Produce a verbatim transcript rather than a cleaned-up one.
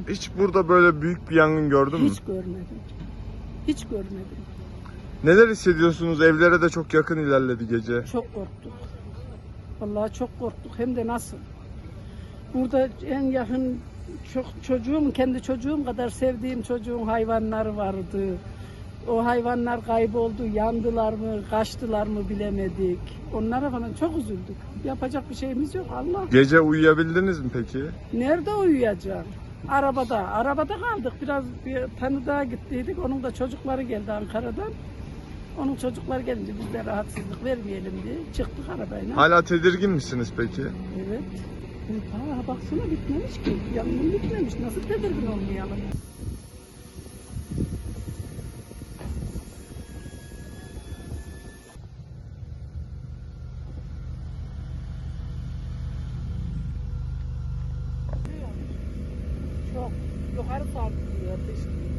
hiç burada böyle büyük bir yangın gördün mü? Hiç görmedim. Hiç görmedim. Neler hissediyorsunuz? Evlere de çok yakın ilerledi gece. Çok korktuk. Vallahi çok korktuk. Hem de nasıl? Burada en yakın çok çocuğum, kendi çocuğum kadar sevdiğim çocuğun hayvanları vardı. O hayvanlar kayboldu, yandılar mı, kaçtılar mı bilemedik. Onlara falan çok üzüldük. Yapacak bir şeyimiz yok Allah. Gece uyuyabildiniz mi peki? Nerede uyuyacağım? Arabada. Arabada kaldık. Biraz bir tanıdığa gittiydik. Onun da çocukları geldi Ankara'dan. Onun çocuklar gelince biz de rahatsızlık vermeyelim diye çıktık arabayla. Hala tedirgin misiniz peki? Evet. Ha, baksana bitmemiş ki. Yangın bitmemiş. Nasıl tedirgin olmayalım? Çok yukarı sarkıyor.